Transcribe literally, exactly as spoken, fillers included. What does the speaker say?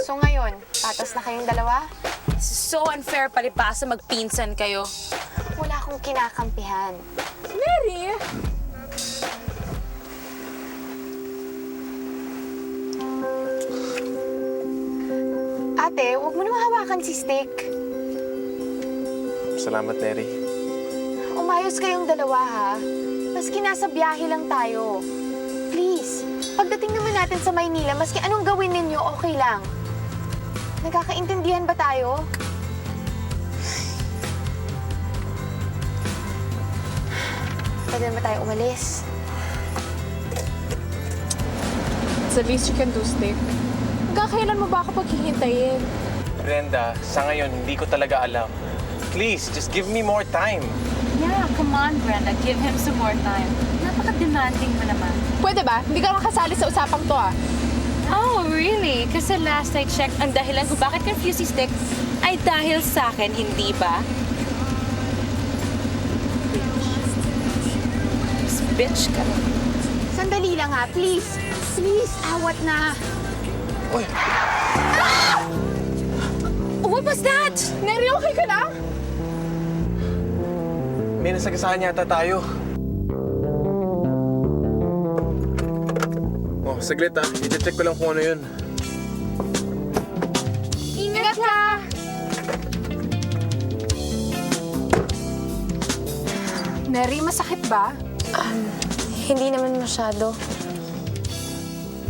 So ngayon, patas na kayong dalawa? So unfair palibasa magpinsan kayo. Wala akong kinakampihan. Mary! Ate, huwag mo naman hawakan si Stick. Salamat, Neri. Umayos kayong dalawa, ha? Maski nasa biyahe lang tayo. Please, pagdating naman natin sa Maynila, maski anong gawin ninyo, okay lang. Nagkakaintindihan ba tayo? Pwede na ba tayo umalis? It's the least you can do, Stick. Hanggang mo ba ako paghihintayin? Brenda, sa ngayon, hindi ko talaga alam. Please, just give me more time. Yeah, come on, Brenda. Give him some more time. Napaka-demanding mo naman. Pwede ba? Hindi ka makasali sa usapang to, ah. Oh, really? Kasi last I checked, ang dahilan kung bakit confused si Stick ay dahil sa akin, hindi ba? Bitch ka. Sandali lang, ha? Please. Please, awat na. Uy! What was that? Neri, okay ka lang? May nasagasaan yata tayo. Oh, saglit ah. I-check ko lang kung ano yun. Ingat ka! Neri, masakit ba? Hindi naman masyado.